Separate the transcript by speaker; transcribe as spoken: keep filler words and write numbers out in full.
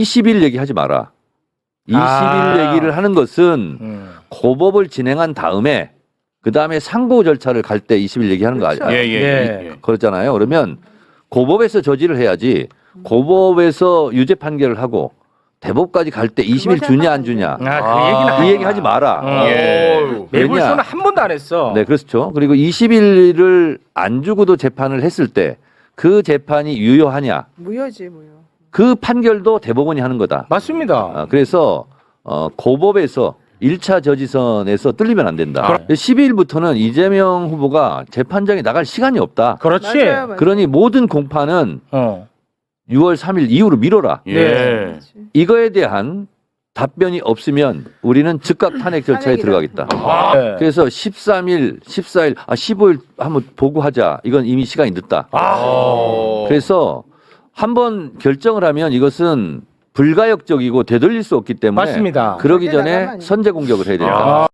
Speaker 1: 이십 일 얘기하지 마라. 이십 일
Speaker 2: 아.
Speaker 1: 얘기를 하는 것은
Speaker 2: 음.
Speaker 1: 고법을 진행한 다음에 그 다음에 상고 절차를 갈 때 이십 일 얘기하는 거
Speaker 3: 그렇죠.
Speaker 1: 아니에요?
Speaker 2: 예, 예, 예. 예.
Speaker 1: 그렇잖아요. 그러면 고법에서 저지를 해야지 고법에서 유죄 판결을 하고 대법까지 갈 때 이십 일 주냐 안 주냐
Speaker 2: 아, 그
Speaker 3: 아.
Speaker 2: 얘기는
Speaker 1: 이 얘기 하지 마라.
Speaker 2: 어.
Speaker 3: 예.
Speaker 2: 매불쇼는 한 번도 안 했어.
Speaker 1: 네, 그렇죠. 그리고 이십 일을 안 주고도 재판을 했을 때 그 재판이 유효하냐
Speaker 3: 무효지 무효.
Speaker 1: 그 판결도 대법원이 하는 거다.
Speaker 2: 맞습니다.
Speaker 1: 아, 그래서 어, 고법에서 일 차 저지선에서 뚫리면 안 된다. 십이 일부터는 이재명 후보가 재판장에 나갈 시간이 없다.
Speaker 2: 그렇지.
Speaker 3: 맞아요, 맞아요.
Speaker 1: 그러니 모든 공판은
Speaker 2: 어.
Speaker 1: 유월 삼 일 이후로 미뤄라.
Speaker 2: 네.
Speaker 3: 그렇지.
Speaker 1: 이거에 대한 답변이 없으면 우리는 즉각 탄핵 절차에
Speaker 3: 탄핵이다.
Speaker 1: 들어가겠다.
Speaker 2: 아. 네.
Speaker 1: 그래서 십삼 일, 십사 일, 아 십오 일 한번 보고하자. 이건 이미 시간이 늦다.
Speaker 2: 아.
Speaker 1: 그래서 한번 결정을 하면 이것은 불가역적이고 되돌릴 수 없기 때문에
Speaker 2: 맞습니다.
Speaker 1: 그러기
Speaker 3: 절대
Speaker 1: 전에
Speaker 3: 나가면 안 돼.
Speaker 1: 선제 공격을 해야 된다.
Speaker 2: 아.